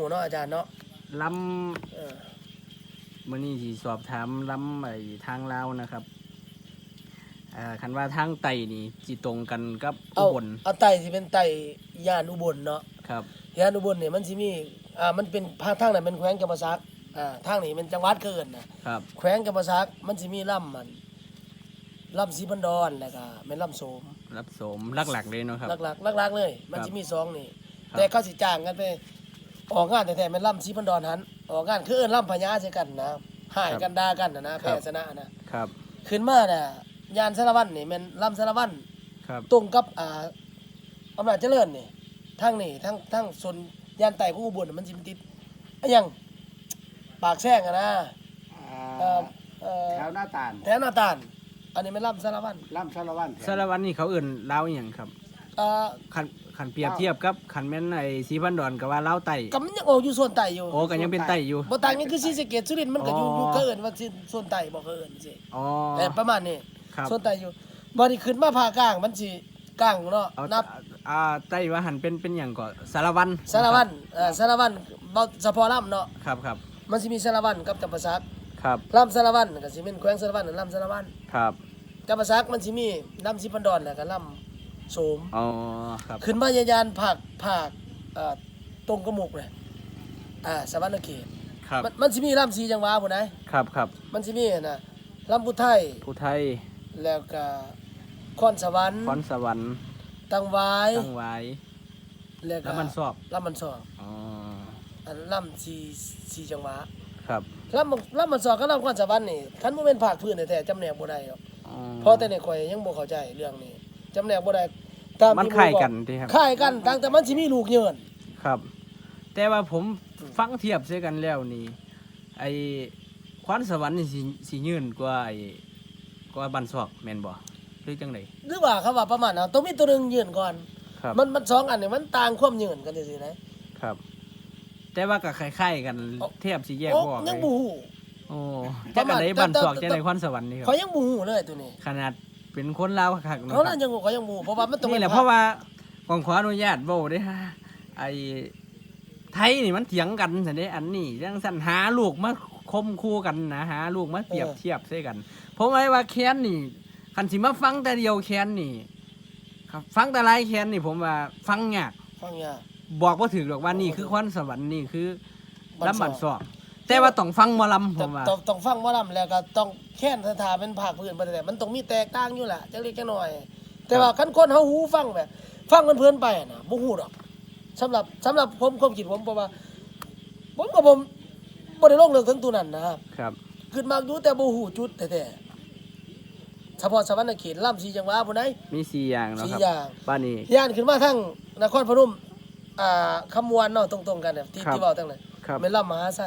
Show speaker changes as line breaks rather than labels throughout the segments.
หูเนาะอาจารย์เนาะ
ลมื้อนี้สิสอบถามลำไอ้ทางลาวนะครับคันว่าทางไต้นี่สิตรงกันกับอุบล
เอาไต้สิเป็นไต้ย่านอุบลเนาะ
ครับ
ย่านอุบลเนี่ยมันสิมีมันเป็นภาคทางนั้นเป็นแขวงจำปาสักทางนี้เป็นจังหวัดเกินนะครับแขวงจำปาสักมันสิมีลำลำศรีพันดอนแล้วก็แม่นลำโสม
หลักๆเลยเนาะครับ
หลักๆเลยมันสิมี2นี่แต่เขาสิจ้างกันไปออกงานแต่แม่นลำศรีพันดอนหันออกงานคือเอิ้นลำพญาใส่กันนะหายกันด่ากันนะแพ้ชนะนะครับขึ้นมาน่ะยานสารวัตรนี่แม่นลำสารวัตรตรงกับอำนาจเจริญนี่ทางนี่ทั้งส่วนยานไต่ของอุบลมันสิติดยังปากแซงนะ
แถวหน้าตาล
อันนี้แม่นลำสารวัตร
สารวัตรนี่เขาเอิ้นลาวอีหยังครับคันเปรียบเทียบกับคันแม่นไอ้ศรีพันดอนก็ว่าลาวไต้
ก็มันยังออกอยู่ส่วนไต้อยู่
โอ้ก็ยังเป็นไต้อยู่
บ่ต่างกันคือศรีสะเกษสุรินทร์มันก็อยู่เกินว่าส่วนไต้บ่เกินสิประมาณนี้ส่วนไต้อยู่บ่นี่ขึ้นมาภาคกลางมันสิกลางเนาะนับ
ไต้ว่าหันเป็นหยังก็สารวัตร
สารวัตรบ่เฉพาะลำเนาะ
ครับ
มันสิมีสารวัตรกับจำปาสัก
ครับ
ลำสารวัตรก็สิเป็นแขวงสารวัตรลำสารวัตร
ครับ
จำปาสักมันสิมีลำศรีพันดอนแล้วก็ลำโสม
ครับ
ขึ้นมายานภาคตรงกระหมกเลยสวรรณเขต
ครับ
มันสิมีลำ4จังหวัดพุ่น
ครับ
มันสิมีน่ะลำพุไทยแล้วก็คอนสวรรค์ตังหวายแล้วก็
ลำมันสอบ
ลำ4จังหวัด
ครับ
ลำมันสอบกับลำคอนสวรรค์นี่คันบ่แม่นภาคพื้นแท้ๆจำแนกบ่ได้หรอกเพราะแต่ในข่อยยังบ่เข้าใจเรื่องนี้จำแนกบ่ได้
ตามมันคล้ายกันติครับ
คล้ายกันแต่มันสิมีลูกเยิน
ครับแต่ว่าผมฟังเทียบใส่กันแล้วนี่ไอ้คอนสวรรค์นี่สิยืนกว่าบ้านซอกแม่นบ่หรือจังได๋
หรือว่าเขาว่าประมาณนั้นต้องมีตัวนึงยืนก่อนมัน2อันนี่มันต่างความยืนกันจังซี่นะครับ
แต่ว่าก็คล้ายๆกันเทียบสิแยกบ่ออก
ยังบ่ฮู้
จังได๋บ้านซอกจังได๋คอนสวรรค์นี่ครับ
เขายังบ่ฮู้เลยตัวนี้
ขนาดเป็นคนลาวคักๆเนาะ
เขายังบ่ฮู้เพราะว่ามันต้อง
นี่แหละเพราะว่าขออนุญาตเว้าเด้ไอ้ไทยนี่มันเถียงกันซั่นเด้อันนี้จังซั่นหาลูกมาคมคู่กันนะหาลูกมาเปรียบเทียบใส่กันผมว่าแค้นนี่คันสิมาฟังแต่เดียวแค้นนี่ครับฟังแต่หลายแค้นนี่ผมว่าฟังยากบอกบ่ถูกหรอกว่านี่คือคอนสวรรค์นี่คือลำบัดซอกแต่ว่าต้องฟังหมอลำผมว่า
ต้องฟังหมอลำแล้วก็ต้องแค้นสถาเป็นภาคพื้นบ่ได้มันต้องมีแตกต่างอยู่ล่ะจักเล็กจักน้อยแต่ว่าคันคนเฮาหูฟังแบบฟังเพลินๆไปน่ะบ่ฮู้ดอกสำหรับผมความคิดผมเพราะว่าผมบ่ได้ลงเรื่องถึงตัวนั้นนะครับขึ้นมาอยู่แต่บ่ฮู้จุดแท้ๆเฉพาะสวรรณเขตลำ4จังหวัดพุ่นใด
มี4อย่างเนาะครับบ้านนี้
ย่านขึ้นมาทางนครพนมคำมวนเนาะตรงๆกันเนี่ยที่เว้าตั้งนั้นแม่นลำมหาไส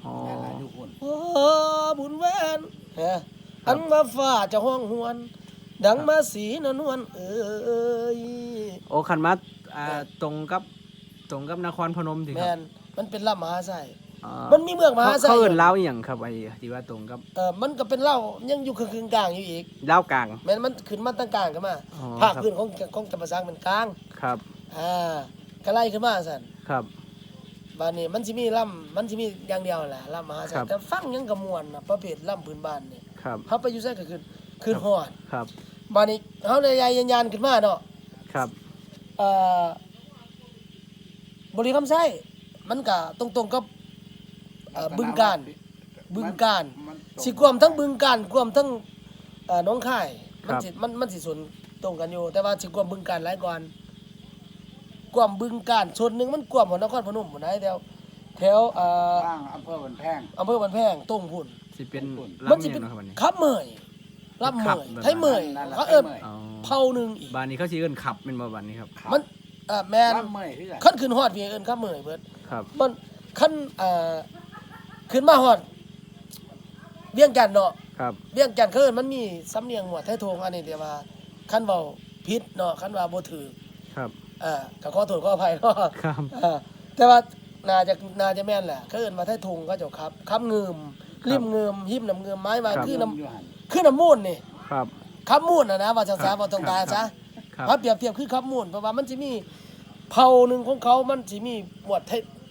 บุญแว่นอันมาฟ้าจะห้องหวนดังมาสีนวลเอ้ย
โอ้คันมาตรงกับนครพนมสิครับ
แม่นมันเป็นลำมหาไสมันมีเมืองมหาไส
เขาเอิ้นลาวอีหยังครับไอ้ที่ว่าตรงกับ
มันก็เป็นลาวยังอยู่ครึ่งกลางอยู่อีก
ลาวกลาง
แม่นมันขึ้นมาตั้งกลางกันมาภาคพื้นของจำปาสักเป็นกลาง
ครับ
ก็ไล่ขึ้นมาซั่น
ครับ
บ้านนี้มันสิมีอย่างเดียวแหละลำมหาไสแต่ฟังยังก็ม่วนน่ะประเภทลำพื้นบ้านนี่เฮาไปอยู่ไสก็ขึ้นฮอด
ครับ
บ้านนี้เฮาเลยยานขึ้นมาเนาะ
ครับ
บริคำไส้มันก็ตรงกับบึงกาฬสิกวมทั้งบึงกาฬกวมทั้งหนองคายมันสิส่วนตรงกันอยู่แต่ว่าสิกวมบึงกาฬหลายกว่ากวมบึงกาฬส่วนนึงมันกวมของนครพนมพุ่นได้แถว
อำเภอบันแพง
ตรงพุ่น
สิเป็น
มันสิเป็นขับเมยลำเมยไทยเมยเขาเอิ้นเผ่านึงอีก
บ้านนี้เขาสิเอิ้นขับแม่นบ่บ้านนี้ครับ
มันแม่นคันขึ้นฮอดพี่เอิ้นขับเมยเบิดมันคันขึ้นมาฮอดเวียงจันทน์เนาะเวียงจันทน์เขาเอิ้นมันมีสำเนียงหมวดไทยทงอันนี้เดี๋ยวว่าคันเว้าผิดเนาะคันว่าบ่ถูก
ครับ
ก็ขอโทษขออภัยเนาะ
ครับ
แต่ว่าน่าจะแม่นแหละเขาเอิ้นว่าไทยทงเขาเจ้าครับเงืมริมเงืมหิมน้ำเงืมไม้ว่าคือน้ำมูลนี่
ครับ
ครับมูลนะว่าภาษาบ่ตรงตาซะถ้าเปรียบเทียบคือครับมูลเพราะว่ามันสิมีเผ่านึงของเขามันสิมีหมวดไท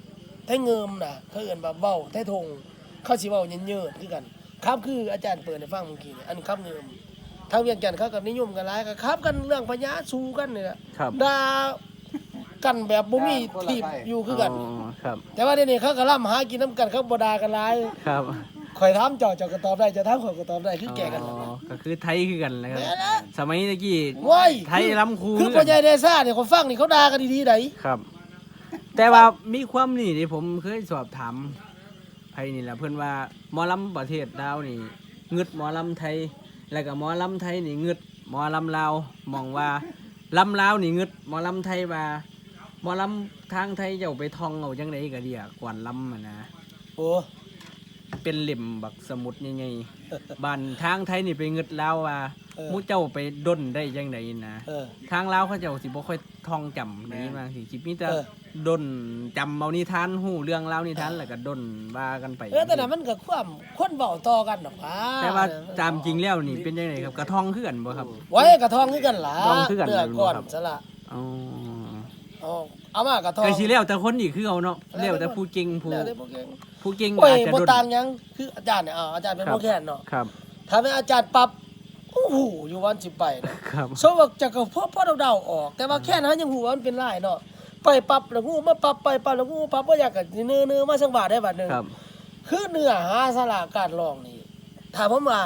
ไทยเงิมน่ะเขาเอิ้นว่าเว้าไทยทงเขาสิเว้าเยินๆคือกันครับคืออาจารย์เปิดให้ฟังเมื่อกี้นี่อันครับเงิมทางเวียงจันทน์เขาก็นิยมกันหลายก็ครับกันเรื่องพญาสู้กันนี่แหละ
ครับ
ด่ากันแบบบ่มีทีบอยู่คือกัน
ครับ
แต่ว่าเดี๋ยวนี้เขาก็ล่ำหากินน้ำกันเขาบ่ด่ากันหลาย
ครับ
ข่อยถามเจ้าก็ตอบได้เจะถามข่อยก็ตอบได้คือแก่กัน
อ๋
ล่ะ
อก็คือไทยคือกันนะครับ
แม่นะ
สมัยตะกี้
ว้าย
ไทยล้ำคู
คือพ่อใหญ่เดซ่าเนี่ยคนฟังนี่เขาด่ากันดีๆได
ครับ แต่ว่ามีความนี่ที่ผมเคยสอบถามไผนี่แหละเพิ่นว่าหมอลำประเทศลาวนี่งึดหมอลำไทย แล้วก็หมอลำไทยนี่งึดหมอลำลาวมองว่าลำลาวนี่งึดหมอลำไทยว่าหมอลำทางไทยเจ้าไปท่องเอาจังไดก็เดียกวนลำอะนะ
โอ้
เป็นเล่มบักสมุดใหญ่ๆบ้านทางไทยนี่ไปงึดลาวว่าหมู่เจ้าไปด้นได้จังไดนะ
เออ
ทางลาวเขาเจ้าสิบ่ค่อยท่องจำนี่มาสิมีแต่
เออ
ดนจำเอานิทานฮู้เรื่องราวนิทานแล้วก็ดนว่ากันไป
แต่นั้นมันก็ความคนเว้าต่อกันดอกว่า
แต่ว่าตามจริงแล้วนี่เป็นจังไดครับกระท่องคือกันบ่ครับ
ไว้กระทองคือกันล่ะ
ทองคือกัน
เนื้อก่อน
ครับ
ซะละ
อ๋อ
เอามากระทอง
ก็สิแล้วแต่คนอีกคือเอาเนาะแล้วแต่ผู้เก่งผู้
แล้วแต่พวกเก่ง
ผู้เก่ง
โอ้ย
อาจจะ
บ่
ดน
ต่างหยังคืออาจารย์เนี่ยอาจารย์เป็น
ครับ
บ่แค่นเนาะ
ครับ
ถ้าเป็นอาจารย์ปรับโอ้โหอยู่วันสิไปนะครับ โซว่าจะก็พอเดาๆออก แต่ว่าแค่นั้นยังหูว่ามันเป็นลายเนาะไปปรับแล้วงูมาปรับไปปรับแล้วงูปรับบ่อยากก็เนื้อมาสักบาทได้บาทหนึง
ครับ
คือเนื้อหาสาระการร้องนี่ถามผมว่า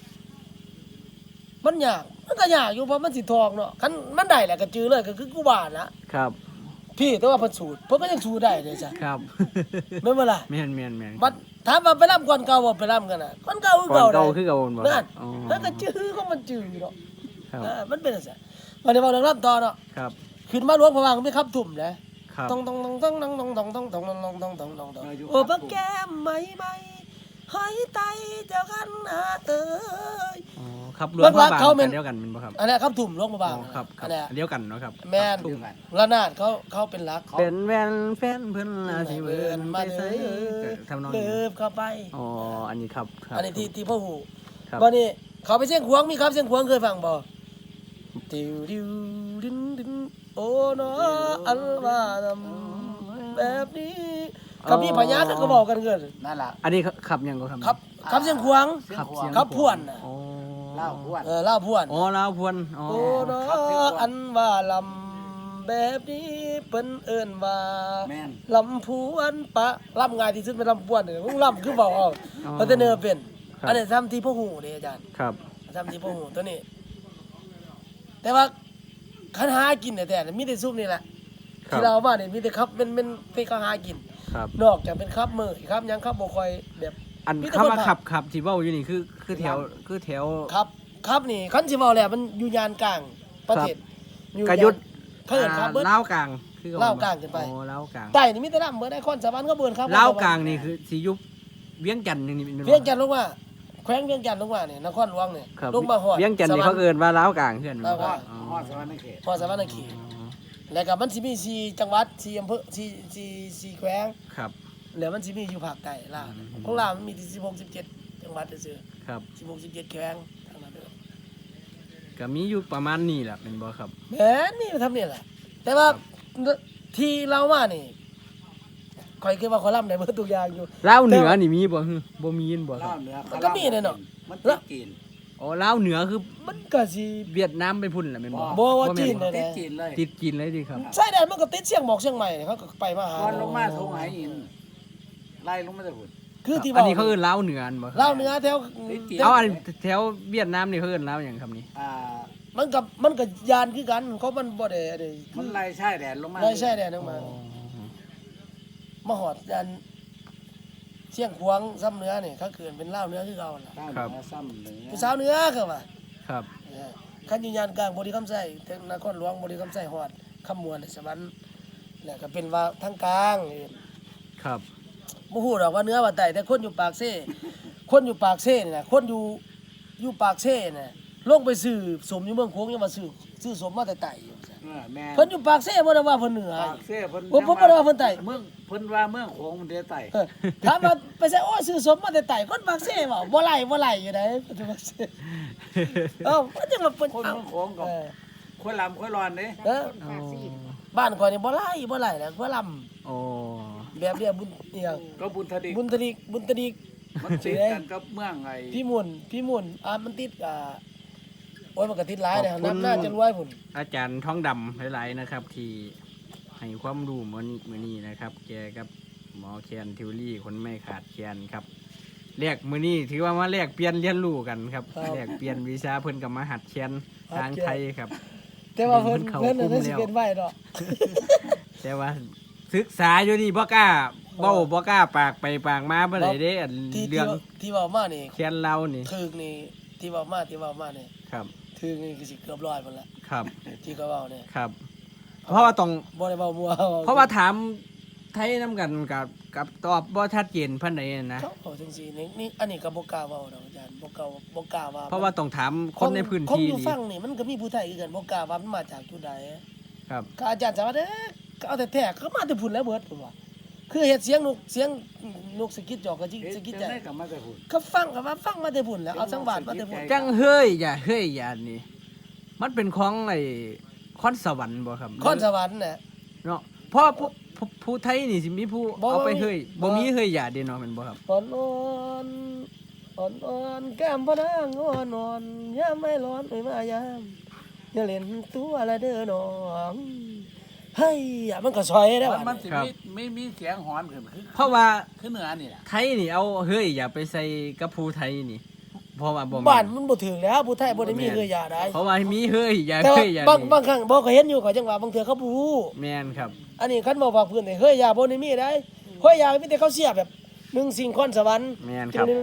มันยากมันก็ยากอยู่เพราะมันสิทองเนาะคันมันได้แหละก็จือเลยก็คือกูว่านะครับ พี่แต่ว่าเพิ่นสูตรเพิ่นก็ยังสูตรได้เลยจ้ะ
ครับ
แม่นบ่ล่ะ
แม่น
บัดถามว่าไปรำก่อนเก่าบ่ไปรำกันน่ะก่อนเก่าคือ
ก่อน
เก่า
เก่า
ได้
คือเก่าบ่
นั่น
อ๋อ
แล้วก็จื้อของมันจื้อเนาะ
ครับ
มันเป็นจังซั่นวันนี้เว้าเรื่องรำต่อเนาะ
ครับ
ขึ้นมาหลวงพระบางมีครับทุ่มนะครับ ต้องโอ้บักแก้มไหมหอยไตเจ้ากันหาเอ้ย
อ๋อครับรวมพระบางกันเดียวกันแม่นบ่ครับ
อันนี้ครับทุ่มหลวงพระบาง
อ๋อครับครั
อั
บ
นนี้
เดียวกันเนาะครับ
แม่น
ครับ
ระนาดเขาเป็นหลัก
เป็นแฟนเพิ่นลาสิเบิ่นไปใส่ทำนอง
เลิ
นี้
ฟเข้าไป
อ๋ออันนี้ครับครับ
อันนี้ที่พ่อหู
ครับ
วันนี้เขาไปเสียงขวางมีครับเสียงขวางเคยฟังบ่ติวดิวดินดินโอ้เนาะอัลว่าทำแบบนี้กับพี่พญาก็บอกกันเกิน
นั่นล่ะ
อันนี้ขับยังก็ครับ
ครับเสียงขวาง
เสียง
ขับ
ขวาง
เสียง
ครับพวนน่ะ
อ๋อ
เล่าอ้วน
เล่าพวน
อ๋อลาวพวนอ๋อ
โอ้เนาะอันว่าลำแบบนี้เปิ้นเอิ้นว่า
แม่น
ลำพวนปะลำง่ายที่สุดเป็นลำพวนเนี่ยมึงลำคือเบาเอาเพราะแต่เนื้อเป็นอันนี้ทำที่พ่อหูนี่อาจารย์
ครับ
ทำที่พ่อหูตัวนี้ แต่ว่าคันหากินแต่มีแต่ซุปนี่แหละ
ครับ
ที่เราเอามาเนี่ยมีแต่ครับเป็นที่เขาหากิน
ครับ
นอกจากเป็นครับมือครับยังครับบ่ค่อยแบบ
อัน
มีแต่
คำ
คน
ว่า
พา
ขับที่เว้าอยู่นี่คือแถว
ครับนี่คันสิเว้าแล้วมันอยู่ยานกลางประเทศอยู่
กระยุทธ์
เขาเอิ้นครับเบิด
ลาวกลางคือ
ลาวกลางขึ้นไป
โอ้ลาวกลาง
ใต้นี่มีแต่ลำเบิดไอ้คอนสวรรค์ก็เบิดครับ
ลาวกลางนี่คือสิยุบเวียงจันทน์นี่เป็นบ่
เวียงจันทน์ลงมาแขวงเวียงจันทน์ลงมาเนี่ยนครหลวงเนี่ย
ครับ
ลงมาฮอด
เวียงจันทน์นี่เขาเอิ้นว่าลาวกลางเพื่อน
ลาวกลาง
อ๋อ
ฮอดสวรรค์เขต
พอสวรรค์เขตแล้วก็มันสิมี4จังหวัด4อำเภอ4แขวง
ครับ
แล้วมันสิมีอยู่ภาคใต้ลาวของลาวมันมีที่16 17จังหวัดซื่อ
ครับ
16 17แขวงทางนั้นเด้อ
ก็มีอยู่ประมาณนี้แหละเป็นบ่ครับ
แม่นนี่ทำนี่แหละแต่ว่าที่เรามานี่ข่อยคิดว่าคอลัมน์ได้เบิดทุกอย่างอยู่
ลาวเหนือนี่มีบ่ฮึบ่มีนบ่ค
เล่า
รับ
เหนือ
มันก็มีแน่เนาะ
มันติดจีน
อ๋อลาวเหนือคือ
มันก็สิ
เวียดนามไปพุ่นแหละแม่นบ่
บ่ว่า
แม่
จีน
บ่
เลย
ติดจีนเลย
ติดกินเลยดิครับ
ใช่ได้มันก็ติดเชียงหมอกเชียงใหม่เนี่ยเขาก็ไปมาหา
ก่อนลงมาทงไหหินไล่ลงมาจากหุ่น
คือที่
อัน
ว่า
นี้เขาเอิ้นลาวเหนืออันบ่ครับ
เล่าวเหนือแถว
ติดจีน
เอาอันแถวเวียดนามนี่เขาเอิ้นลาวหยังครับนี่
มันกับยานคือกันเขามันบ่ได้อะไร
มันไล่ชายแดนลงมา
ได้ใช่แน่นึงมามาหอดยานเชียงขวางซ้ำเหนือนี่เขาเกินเป็นเล่าวเหนือคือเก่าล่ะ
เล่าเหนือซ้ำเหนือ
ผู้สาวเหนือคือว่า
ครับ
คันอยู่ยานกลางบริคำไส้นครหลวงบริคำไส้หอดคำมวลสวรรค์แล้วก็เป็นว่าทางกลาง
ครับ
บ่ฮู้ดอกว่าเหนือว่าใต้แต่คนอยู่ปากเซ่คนอยู่ปากเซ่นี่น่ะคนอยู่ปากเซ่น่ะลงไปซื้อสมอยู่เมืองโขงยังมาซื้อสมมาแต่ใต้อยู่จ้ะ
แม่
เพิ่นอยู่ปากเซ่บ่ได้ว่าเพิ่นเหนือ
ปากเสียเพิ่น
ผมบ่ได้ว่าเพิ่นใต้
เมืองเพิ่นว่าเมืองโขงมันเด้ใต้
เออถามว่าไปใส่โอ้ซื้อสมมาแต่ใต้คนปากเซ่บ่บ่ไหลอยู่ได้เพิ่นอยู่ปากเซ่เอ้าเพิ่นจะมาเพิ่น
คน
เอ้า
เมืองโขงกับ
เออ
คนลำคนร้อนเด้
เออ
โอ้
บ้านข่อยนี่บ่ไหลแล้วบ่ลำ
โอ้
แบบเรียกบุญอีหยัง
ก็บุญทดิก
บุญตริก
มันติดกันกับเมืองไอ้
พี่มุ่นมันติดโอ้ยมันก็ติดหลายเลยน้ำน่าจะรวยพุ่น
อาจารย์ท้องดำหลายๆนะครับ ที่ให้ความรู้มื้อนี้นะครับ แกกับหมอแคนทิวรี่คนไม่ขาดแคลนครับแลกมื้อนี้ถือว่ามาแลกเปลี่ยนเรียนรู้กันครับแลกเปลี่ยนวิชาเพิ่นกับมาหัดแคนทางไทยครับ
แต่ว่าเพิ่น
เขา
น่ะ
คุม
ได้สิ
แล้ว
เป็นไว้ดอก
แต่ว่าศึกษาอยู่นี่บ่กล้าเว้าบ่กล้าปากไปปากมาบ่ได้เด้อัน
ที่
เรื่อง
ที่เว้ามานี่
แคนเรานี่
ถึกนี่ที่เว้ามานี่
ครับ
ถึกนี่คือสิเกือบ100พุ่นละ
ครับ
ที่เขาเว้าเนี่ย
ครับ เพราะว่าต้อง
บ่ได้เว้ามัว
เพราะว่าถามไทยน้ำกันกับตอบบ่ชัดเจนปานใดนะ
เขาเอาจังซี่นี่อันนี้ก็บ่กล้าเว้าดอกอาจารย์บ่กล้าว่า
เพราะว่าต้องถามคนในพื้นที่
คนอยู่
นี่
ฟังนี่มันก็มีผู้ไทยคือกันบ่กล้าว่ามันมาจากจุดใด
ครับ
ก็อาจารย์สามารถก็เอาแต่แท้เขามาแต่พุ่นแล้วเบิดผมว่าคือเฮ็ดเสียงนกสะกิดจอกก็จิสะกิดใจ
ได้กับมาแต่หุ่น
ก็ฟังมาแต่พุ่นแล้วเอาสังวาสมาแต่พุ่น
จังเฮ้ยอย่านี่ มันเป็นของไอ้คอนสวรรค์บ่ครับ
คอนสวรรค์น่ะ
เนาะเพราะผู้ไทยนี่สิมีผู้
บ่
เอาไป
บ่มี
เฮ้ย
บ่
บ่มีเฮ้ยอย่าเด้เนาะแม่นบ่ครับ
อ่อนแก้มพะนางอ่อนยามไม่ร้อนเอ้ยมายามอย่าเล่นตัวละเด้อน้องเฮ้ยอย่ามันก็ซอยได้
มัน
ว่ะ
สิมีเสียงหอนขึ้นคือ
เพราะว่า
คือเหนือนี่แหละ
ไทยนี่เอาเฮ้ยอย่าไปใส่กับผู้ไทยนี่ เพราะว่าบ่
บ้า
แม่
น
น
มันบ่ถึงแล้วผู้ไทยบ่ได้มีเฮือยาได้
เพราะว่ามีเฮ้ยอย่า
แต่ว่า
เฮ้ยอย่า
บาง
นี่
ครั้งบ่ก็เห็นอยู่ก็จังว่าบางเทื่อเขาบ่ฮู้
แม่นครับ
อันนี้คันบ่ว่าเพิ่นนี่เฮ้ยยาบ่ได้มีได้เฮ้ยยามีแต่เขาเสียแบบหนึ่งสิ่งคอนสวรรค์
แม่นครับ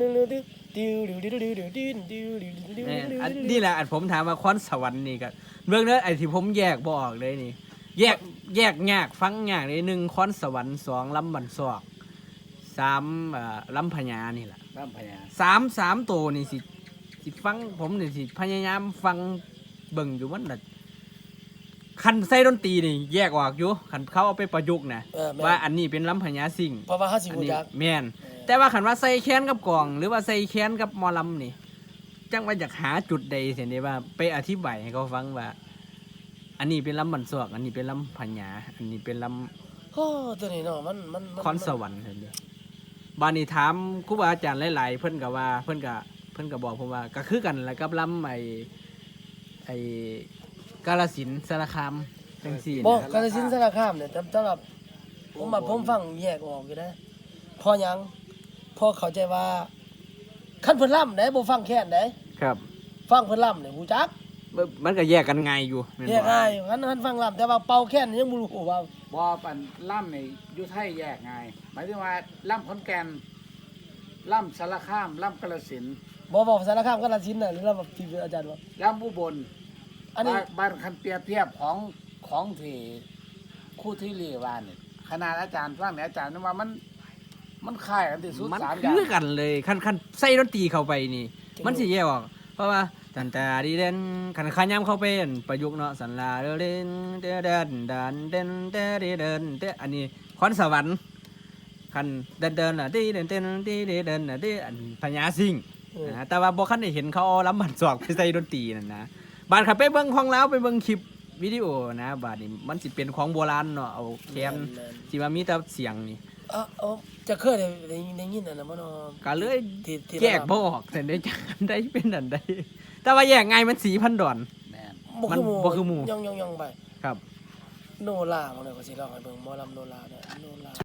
แม่นอันนี่แหละอันผมถามว่าคอนสวรรค์นี่ก็เรื่องนั้นไอ้ที่ผมแยกบ่ออกเลยนี่ แยกยากฟังยากเลย1คอนสวรรค์2ลำบันซอก3ลำพญานี่แหละ
บ้านพญา
3ตัวนี่สิฟังผมนี่สิพยายามฟังเบิ่งอยู่มันน่ะคันใส่ดนตรีนี่แยกออกอยู่คันเขาเอาไปประยุกต์นะ
แม่น
ว่าอันนี้เป็นลำพญาสิง
เพราะว่าเฮาสิ
อัน
ฮู้
นี้
จัก
แม่นแต่ว่าคันว่าใส่แค้นกับกลอง หรือว่าใส่แค้นกับหมอลำนี่จังว่าอยากหาจุดใดเสียนี่ว่าไปอธิบายให้เขาฟังว่า อันนี้เป็นลำบันซอกอันนี้เป็นลำพญาอันนี้เป็นล
โอ้ตัวนี้เนาะมัน
ำคอนสวรรค์เห็นเด้บานนี้ถามครูบาอาจารย์หลายๆเพิ่นก็ว่าเพิ่นก็บอกผมว่าก็คือกันแหละกับลำไอ้กาฬสินธุ์สารคามจังซี่
บ่
นะ
กาฬสินธุ์สารคามเนี่ยสำหรับผมฟังแยกออกอยู่นะพอหยังพอเข้าใจว่าคันเพิ่นล่ำได้บ่ฟังแค่นได้
ครับ
ฟังเพิ่นล่ำเนี่ยฮู้จัก
มันก็แยกกันง่ายอยู่แม่น
แย
บ่
กง่ายคันฟังล่ำแต่ว่าเป่าแค่นยังบ่รู้ว่า
บ่ปันล่ำนี่อยู่ไทยแยกไงหมายถึงว่าล่ำขอนแก่นล่ำสารคามล่ำกาฬสินธุ์
บ่สารคามกาฬสินธุ์น่ะหรือล่ำที่อาจารย์ว่า
ล่ำอุบล
อันนี้
บ้านคันเปรียบเทียบของที่คู่ที่เรียกว่านี่ขนาดอาจารย์ฟังเนี่ยอาจารย์นึกว่ามันคล้ายกันที่สุด
มัน
3อย่า
คื
ง
อกันเลยคันใส่ดนตรีเข้าไปนี่ มันสิแยกออกเพราะว่าตันตาดีเด่นคันขายามเข้าไปอั่นประยุกต์เนาะสันลาเด่นเดนดันเด่นเดเดินเดอันนี้คอนสวรรค์คันเดินน่ะดีเดินดีเดินน่ะดีอันพญาสิงห์นะแต่ว่าบ่คันได้เห็นเขาเอาลำบันซอกไปใส่ดนตรีนั่นนะบาดขับไปเบิ่งของแล้วไปเบิ่งคลิปวิดีโอนะบาดนี้มันสิเป็นของโบราณเนาะเอาแคนที่ว่ามีแต่เสียงนี่
จะเคยได้ยินอันนั้นบ่เนาะ
ก็เลย
ที่
แยกบ่ออกแต่ได้จักอันใดเป็นอันใดแต่ว่าแยกไงายมัน4,000 ดอน
แม่น
บ่คือหมู่
บ่คือหมู่
ย่องๆไป
ครับ
โนราบ่ได้ก็สิร้องให้เบิ่งหมอลำโนราเนี่ยโนรา